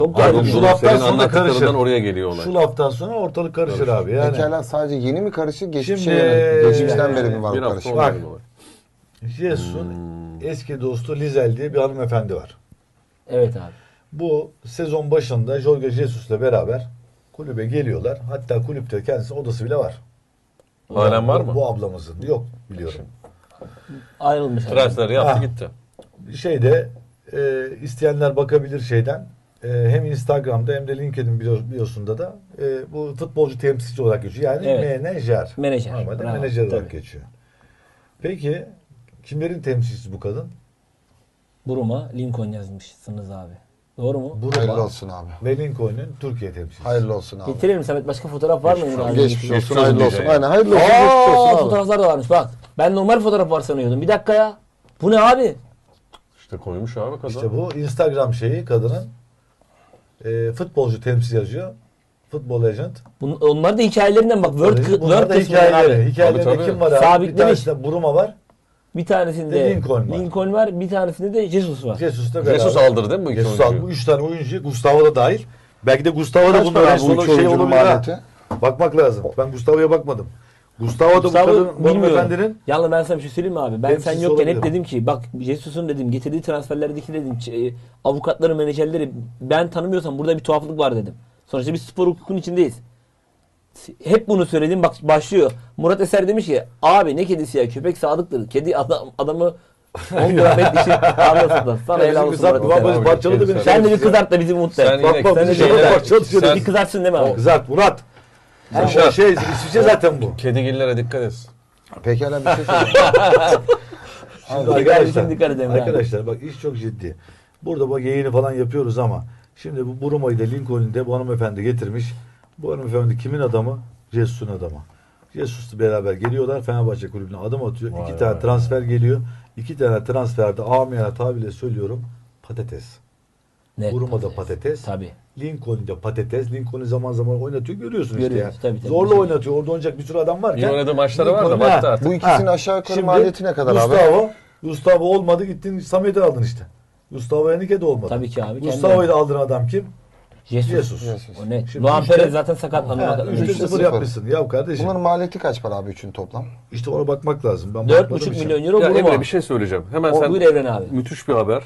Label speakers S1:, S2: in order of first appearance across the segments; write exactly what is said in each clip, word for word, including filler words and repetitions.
S1: Çok
S2: Abi
S1: garip.
S2: şu
S1: yani.
S2: laftan
S3: Senin
S2: sonra
S3: anlattıklarından
S2: karışır.
S3: oraya geliyor olay.
S2: Şu laftan sonra ortalık karışır abi. Yani
S4: Pekala sadece yeni mi karışır, geçmişe
S2: Şimdi-
S4: yönelik. Geçmişten beri mi var
S3: Bir
S4: bu
S3: hafta
S4: karışım?
S3: olmadı
S2: Bak.
S3: mı olay?
S2: Jesus'un
S3: Hmm.
S2: eski dostu Lizel diye bir hanımefendi var.
S1: Evet abi.
S2: Bu sezon başında Jorge Jesus'la beraber kulübe geliyorlar. Hatta kulüpte kendisinin odası bile var.
S3: Halen var mı?
S2: Bu ablamızın. Yok biliyorum.
S1: Ayrılmış. abi.
S3: Transferi yaptı
S2: Ha.
S3: gitti.
S2: Şeyde e, isteyenler bakabilir şeyden. E, hem Instagram'da hem de LinkedIn bio- biosunda da e, bu futbolcu temsilci olarak geçiyor. Yani
S1: Evet.
S2: menajer.
S1: Menajer.
S2: Normalde
S1: Bravo.
S2: menajer olarak
S1: Tabii.
S2: geçiyor. Peki kimlerin temsilcisi bu kadın?
S1: Buruma Lincoln yazmışsınız abi. Doğru mu?
S2: Buruma
S4: Hayırlı olsun abi.
S2: ve Lincoln'un Türkiye temsilcisi.
S4: Hayırlı olsun abi.
S1: Getirelim Samet, başka fotoğraf var mı Emre abi?
S4: Geçmiş
S3: Geçmiş
S4: olsun,
S3: olsun
S4: hayırlı olsun.
S3: diyeceğim.
S4: Aynen hayırlı olsun, geçmiş
S1: Aa,
S4: olsun abi.
S1: fotoğraflar da varmış bak. Ben normal fotoğraf var sanıyordum. Bir dakika ya. Bu ne abi?
S3: İşte koymuş abi kadın.
S2: İşte bu Instagram şeyi kadının e, futbolcu temsil yazıyor. Futbol agent.
S1: Bun, onlar da hikayelerinden bak. Word,
S2: Bunlar
S1: Word
S2: da
S1: kısmı var
S2: hikayeleri.
S1: abi.
S2: Hikayelerinde
S3: Tabii, tabii.
S2: kim var abi? Bir
S1: Sabitlemiş.
S2: tanesinde Buruma var.
S1: Bir tanesinde
S2: De Lincoln var.
S1: Lincoln var. Bir tanesinde de Jesus var.
S2: Jesus'la beraber.
S3: Jesus aldırdı değil mi bu iki
S2: Jesus
S3: oyuncuyu?
S2: aldı. Bu üç tane oyuncu. Gustavo da dahil. Belki de Gustavo da
S4: Kaç
S2: bunun
S4: para
S2: en
S4: bu
S2: sonu
S4: üç
S2: şey
S4: oyuncunun
S2: olabilir ha.
S4: maliyeti?
S2: Bakmak lazım. Ben Gustavo'ya bakmadım. Gustavo da bu
S1: Gustavo
S2: kadın, bu
S1: bilmiyorum.
S2: hanımefendinin
S1: Yalnız ben sana bir şey söyleyeyim mi abi? Ben sen
S2: temsilcisi
S1: yokken hep
S2: olabilir.
S1: dedim ki bak Jesus'un dedim getirdiği transferlerdeki dedim ç- e, avukatları, menajerleri ben tanımıyorsam burada bir tuhaflık var dedim. Sonuçta biz spor hukukun içindeyiz. Hep bunu söyledim, bak başlıyor. Murat Eser demiş ki abi ne kedisi ya, köpek sadıktır. Kedi adam, adamı on gram et işi anlasın. Sana helal olsun Murat
S2: kızartma
S1: Eser.
S2: babacı parçaladı beni.
S1: Sen de bir kızart da bizi mutlu et.
S3: Sen
S2: Bak
S3: yine-
S2: bak
S1: Sen de
S2: bir şey
S1: bir-
S2: parçaladı şöyle.
S3: Sen-
S1: Bir kızartsın değil mi abi?
S2: Kızart Murat. Sen
S3: Yaşar.
S2: o şey İsviçre zaten bu.
S3: Kedigillere dikkat et.
S4: Pekala bir şey söyleyeyim.
S2: Şimdi
S1: Dikkat
S2: arkadaşlar,
S1: edin, dikkat edin abi.
S2: arkadaşlar bak iş çok ciddi. Burada bak yayını falan yapıyoruz ama şimdi bu Buruma'yı da Lincoln'u da bu hanımefendi getirmiş. Bu hanımefendi kimin adamı? Jesus'un adamı. Jesus'la beraber geliyorlar. Fenerbahçe kulübüne adım atıyor.
S3: Vay
S2: İki
S3: vay
S2: tane
S3: vay.
S2: transfer geliyor. İki tane transferde amiyane tabirle söylüyorum patates.
S1: Net
S2: Buruma'da patates.
S1: Tabii.
S2: Lincoln'da patates. Lincoln'u zaman zaman oynatıyor. Görüyorsun işte ya.
S1: Görüyoruz, tabii, tabii.
S2: Zorla oynatıyor. Orada oynayacak bir sürü adam varken.
S3: İyi oynadığı maçları var da
S2: Lincoln-
S3: baktı
S2: Ha.
S3: artık.
S4: Bu ikisinin
S2: Ha.
S4: aşağı yukarı
S2: Şimdi
S4: maliyeti ne kadar abi?
S2: Gustavo, Gustavo olmadı gittin Samet'i aldın işte. Gustavo Henrique de olmadı.
S1: Tabii ki abi,
S2: Gustavo'yu
S1: kendi-
S2: da aldığın adam kim?
S1: Jesus.
S2: Jesus.
S4: Jesus.
S1: O ne?
S2: Şimdi
S1: Luan
S2: üçte-
S1: Perez zaten sakatlandı.
S2: Ha,
S1: Bak-
S2: üçte
S4: Üçte
S2: sıfır
S4: sıfır.
S2: yapmışsın. Ya kardeşim
S4: Bunların maliyeti kaç para abi üçün toplam?
S2: işte ona bakmak lazım. Ben
S1: Dört
S2: bakmadığım
S1: buçuk
S2: için.
S1: milyon euro
S3: Ya
S1: Buruma.
S3: Emre bir şey söyleyeceğim. Hemen
S1: O,
S3: sen
S1: buyur Evren abi.
S3: müthiş bir haber.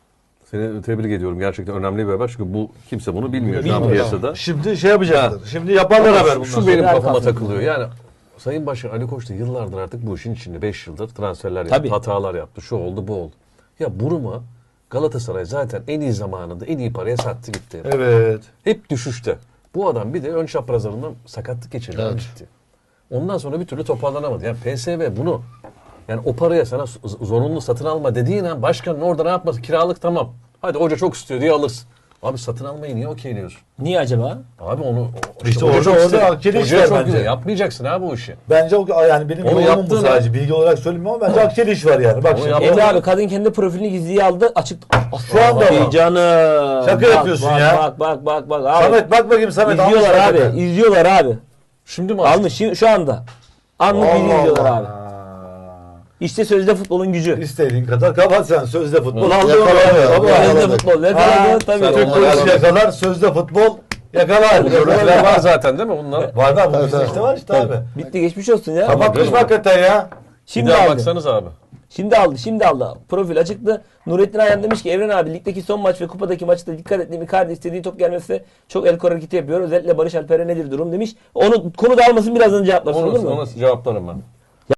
S3: Seni tebrik ediyorum. Gerçekten önemli bir haber. Çünkü bu kimse bunu bilmiyor şu an
S1: Bilmiyor.
S3: piyasada.
S2: Şimdi şey yapacaklar. Şimdi yaparlar haber bundan
S3: Şu
S2: sonra.
S3: benim
S1: Süper
S3: kafama
S1: kafam.
S3: takılıyor. Yani Sayın Başkan Ali Koç da yıllardır artık bu işin içinde. beş yıldır transferler yaptı.
S1: Tabii.
S3: Hatalar yaptı. Şu oldu bu oldu. Ya Buruma Galatasaray zaten en iyi zamanında en iyi paraya sattı gitti.
S2: Evet.
S3: Hep düşüşte. Bu adam bir de ön çaprazlarından sakatlık geçirdi.
S4: Evet.
S3: Gitti. Ondan sonra bir türlü toparlanamadı. Yani P S V bunu yani o paraya sana z- zorunlu satın alma dediğin an başkanın orada ne yapması? Kiralık tamam. Hadi hoca çok istiyor diye alırsın. Abi satın almayı niye okeyliyorsun?
S1: Niye acaba?
S3: Abi onu o-
S2: İşte
S3: hoca
S2: orada-
S3: çok
S2: orada
S3: ister.
S2: akçeli iş
S3: Hocaya
S2: var
S3: çok
S2: bence.
S3: güzel. Yapmayacaksın abi o işi.
S2: Bence o yani benim
S3: Onu
S2: yorumum bu
S3: yaptığın
S2: sadece.
S3: an-
S2: Bilgi olarak söylemiyorum ama bence akçeli iş var yani. Bak
S3: Onu
S2: şimdi.
S3: yaptığın
S1: Emre
S3: an-
S1: abi kadın kendi profilini gizliye aldı, açık.
S2: Şu anda
S1: Ay
S2: mı?
S1: canım.
S2: Şaka
S1: Bak,
S2: yapıyorsun
S1: bak,
S2: ya.
S1: Bak bak bak bak abi.
S2: Samet bak bakayım Samet.
S1: İzliyorlar
S2: almış
S1: abi.
S2: hakikaten.
S1: İzliyorlar abi.
S3: Şimdi mi
S1: Almış şu, şu anda. Anlık
S2: Allah
S1: bilgi izliyorlar
S2: Allah.
S1: abi. İşte sözde futbolun gücü.
S2: İstediğin kadar kapat sen. Sözde futbol
S3: Hı.
S2: aldı.
S4: Yakalanıyor.
S2: Baba.
S4: Yakaladı.
S1: Sözde futbol. Ne
S2: Ha,
S1: kadar tabii.
S3: sen
S2: Türk
S3: onları
S2: polisi
S3: yakaladın.
S2: yakalar. Sözde futbol yakalar.
S3: Görüntüler var zaten değil mi bunlar?
S2: Var da bu
S4: Evet,
S2: bizde
S4: evet.
S2: işte var işte abi.
S1: Bitti geçmiş olsun ya.
S2: Kapatmış mı hakikaten ya?
S3: Bir
S1: Şimdi
S3: daha
S1: aldı.
S3: baksanız abi.
S1: Şimdi aldı. Şimdi aldı. Profil açıktı. Nurettin Ayhan demiş ki Evren abi ligdeki son maç ve kupadaki maçta dikkat ettiğim Icardi istediği top gelmesi çok el kor hareketi yapıyor. Özellikle Barış Alper'e nedir durum demiş. Onu konu dağılmasın birazdan cevaplasın olur
S3: Onu,
S1: mu?
S3: onu cevaplarım ben.